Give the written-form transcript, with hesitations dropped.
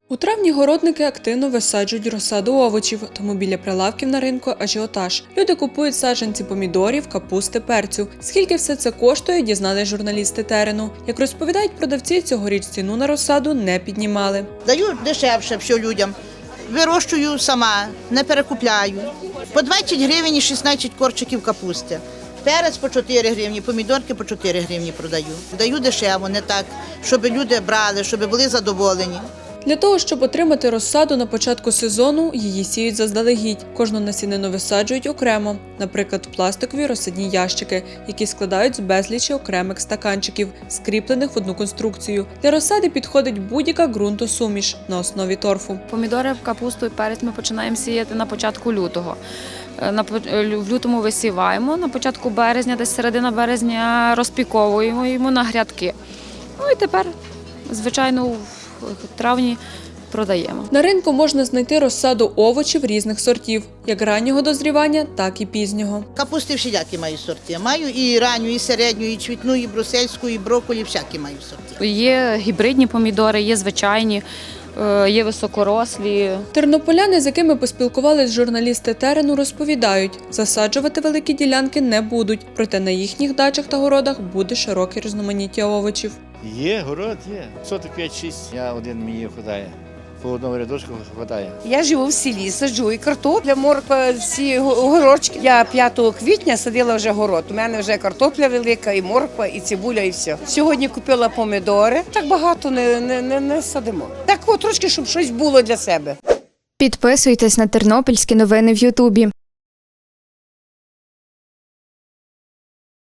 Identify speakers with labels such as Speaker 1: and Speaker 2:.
Speaker 1: У травні городники активно висаджують розсаду овочів, тому біля прилавків на ринку ажіотаж. Люди купують саджанці помідорів, капусти, перцю. Скільки все це коштує, дізнались журналісти терену. Як розповідають продавці, цьогоріч ціну на розсаду не піднімали.
Speaker 2: Даю дешевше все людям. Вирощую сама, не перекупляю. По 20 гривень і 16 корчиків капусти. Перець по 4 гривні, помідорки по 4 гривні продаю. Даю дешево, не так, щоб люди брали, щоб були задоволені.
Speaker 1: Для того, щоб отримати розсаду на початку сезону, її сіють заздалегідь. Кожну насінину висаджують окремо, наприклад, в пластикові розсадні ящики, які складають з безлічі окремих стаканчиків, скріплених в одну конструкцію. Для розсади підходить будь-яка ґрунтосуміш на основі торфу.
Speaker 3: Помідори, капусту і перець ми починаємо сіяти на початку лютого. В лютому висіваємо, на початку березня, десь середина березня розпіковуємо йому на грядки. Ну і тепер, звичайно, в травні продаємо.
Speaker 1: На ринку можна знайти розсаду овочів різних сортів, як раннього дозрівання, так і пізнього.
Speaker 2: Капусти всілякі маю сорти. Маю і ранню, і середню, і цвітну, і брусельську, і брокколі, всякі маю сорти.
Speaker 3: Є гібридні помідори, є звичайні, є високорослі.
Speaker 1: Тернополяни, з якими поспілкувались журналісти терену, розповідають, засаджувати великі ділянки не будуть, проте на їхніх дачах та городах буде широке різноманіття овочів.
Speaker 4: Є, город є. Соток 5-6, я один мені вистачає. По одному рядочку вистачає.
Speaker 5: Я живу в селі, саджу і картопля, морква, всі огорочки. Я 5 квітня садила вже город. У мене вже картопля велика, і морква, і цибуля, і все. Сьогодні купила помідори. Так багато не садимо. Так от трошки, щоб щось було для себе.
Speaker 6: Підписуйтесь на тернопільські новини в Ютубі.